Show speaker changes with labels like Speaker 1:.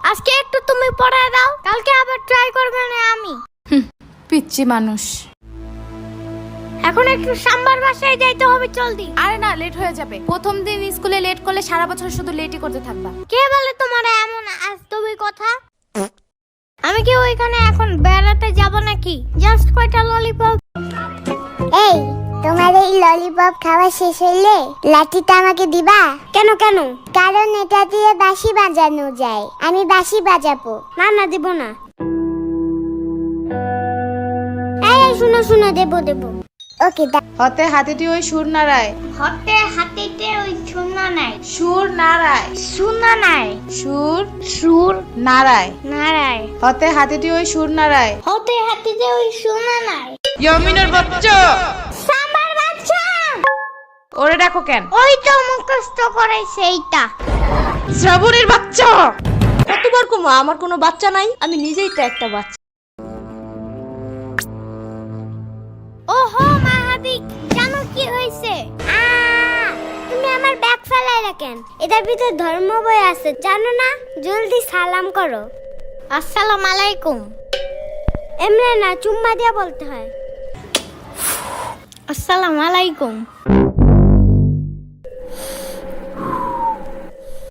Speaker 1: আজকে একটু তুমি পড়ায় দাও, কালকে আবার ট্রাই করবে না আমি।
Speaker 2: পিচ্ছি মানুষ।
Speaker 1: এখন একটু সাম্বার বাসায় যাইতে হবে, জলদি।
Speaker 2: আরে না, লেট হয়ে যাবে। প্রথম দিন স্কুলে লেট করলে সারা বছর শুধু লেটই করতে থাকবা।
Speaker 1: কে বলে তোমার এমন আজতবি কথা? আমি কি ওইখানে এখন বেড়াতে যাব নাকি? জাস্ট কয়টা ললিপপ।
Speaker 3: এই, তোমার এই ললিপপ খাওয়া শেষ হইলে লাঠিটা আমাকে দিবা?
Speaker 1: কেন কেন?
Speaker 3: কারণ এটা দিয়ে বাঁশি বাজানো যায়, আমি বাঁশি বাজাবো।
Speaker 1: না না, দিব না। এই শুনো শুনো, দেবো দেবো।
Speaker 3: ওকে,
Speaker 2: হতে হাতিটি ওই সুর নাড়ায়।
Speaker 1: হতে হাতিতে ওই শূন্য নাই।
Speaker 2: সুর নাড়ায়।
Speaker 1: শূন্য নাই।
Speaker 2: সুর
Speaker 1: সুর
Speaker 2: নাড়ায়।
Speaker 1: নারায়।
Speaker 2: হতে হাতিটি ওই সুর নাড়ায়।
Speaker 1: হতে হাতিতে ওই শূন্য নাই।
Speaker 2: ইয়ামিনের বাচ্চা,
Speaker 1: সাম্বার বাচ্চা।
Speaker 2: ওরে ডাকো কেন?
Speaker 1: ওই তো মুখস্থ করাইছে এইটা।
Speaker 2: শ্রাবণের বাচ্চা।
Speaker 4: কতবার কমা, আমার কোনো বাচ্চা নাই, আমি নিজেই তো একটা বাচ্চা।
Speaker 1: ওহো মাহাদিক, জানো কি হয়েছে? তুমি আমার ব্যাগ ফেলাই রাখেন, এটার ভিতরে ধর্ম বই আছে জানো না? জলদি সালাম করো। আসসালামু আলাইকুম। এমনি না, চুম্মা দিয়া বলতে হয়। আসসালামু আলাইকুম।